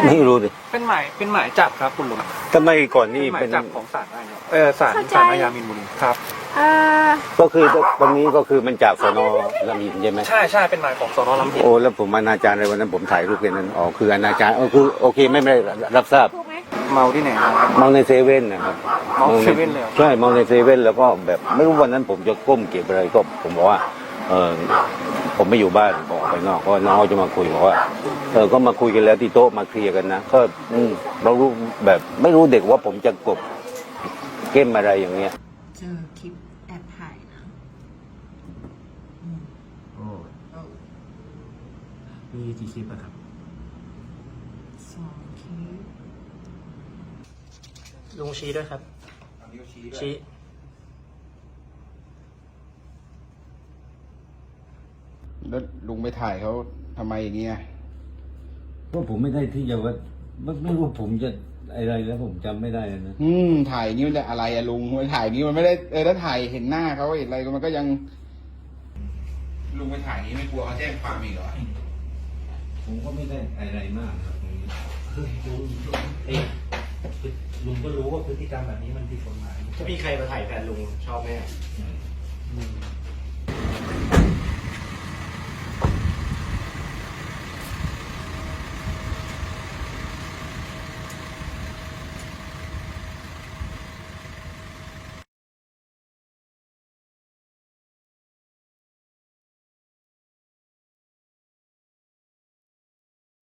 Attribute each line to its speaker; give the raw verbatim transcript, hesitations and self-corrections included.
Speaker 1: ไม่รู้ดิ
Speaker 2: เป็นหมายเป็นหมายจับครับคุณลุง
Speaker 1: ทำไมก่อนนี่
Speaker 2: หมาย
Speaker 1: เป็น
Speaker 2: จับของศาลอาญาเออศาลศาลอาญามีนบุรีครับ
Speaker 3: อ่า
Speaker 1: ก็คือตรงนี้ก็คือมันจากสนลำหินใช่ไหม
Speaker 2: ใช่ใช่เป็นหมายของสนลำหิน
Speaker 1: โอ้แล้วผมอนาจารในวันนั้นผมถ่ายรูปแค่นั้นอ๋อคืออนาจารเออคือโอเคไม่ไม่ได้รับทราบ
Speaker 3: ถูกไหม
Speaker 2: เมาที่ไหนครับ
Speaker 1: มองในเซเว่นนะครับ
Speaker 2: มองเซเว่นเลยเหรอ
Speaker 1: ใช่มองในเซเว่นแล้วก็แบบไม่รู้วันนั้นผมจะก้มเก็บอะไรก็ผมบอกว่าเออผมไม่อยู่บ้านบอกไปนอกก็น้องจะมาคุยบอกว่าเออก็มาคุยกันแล้วที่โต๊ะมาเคลียร์กันนะก็อืมเรารู้แบบไม่รู้เด็กว่าผมจะกบเก้มอะไรอย่างเงี้ย
Speaker 3: เจอคลิปแอบถ่ายนะ
Speaker 2: มีกี่คลิปอะครับ
Speaker 3: สองคลิป
Speaker 2: ลุงชี้ด้วยครับชี้
Speaker 4: แล้วลุงไปถ่ายเขาทำไมอย่างเงี้ย
Speaker 1: ก็ผมไม่ได้ที่จะว่าไม่ไม่รู้ผมจะอะไรแล้วผมจำไม่ได้นะ
Speaker 4: อืมถ่ายนี้มันจะอะไรอะลุงไปถ่ายนี้มันไม่ได้เออถ้าถ่ายเห็นหน้าเขาเห็นอะไรมันก็ยัง ลุงไปถ่ายนี้ไม่กลัวเขาแจ้งความอีกเหรอ
Speaker 1: ผมก็ไม่ได้อะไรมากครับตรงนี้ลุงเอ๊ะลุงก็รู้ว่าพฤติกรรมแบบนี้มันผิดกฎหมาย
Speaker 2: ถ้ามีใครมาถ่ายแฟนลุงชอบไหม
Speaker 1: อืม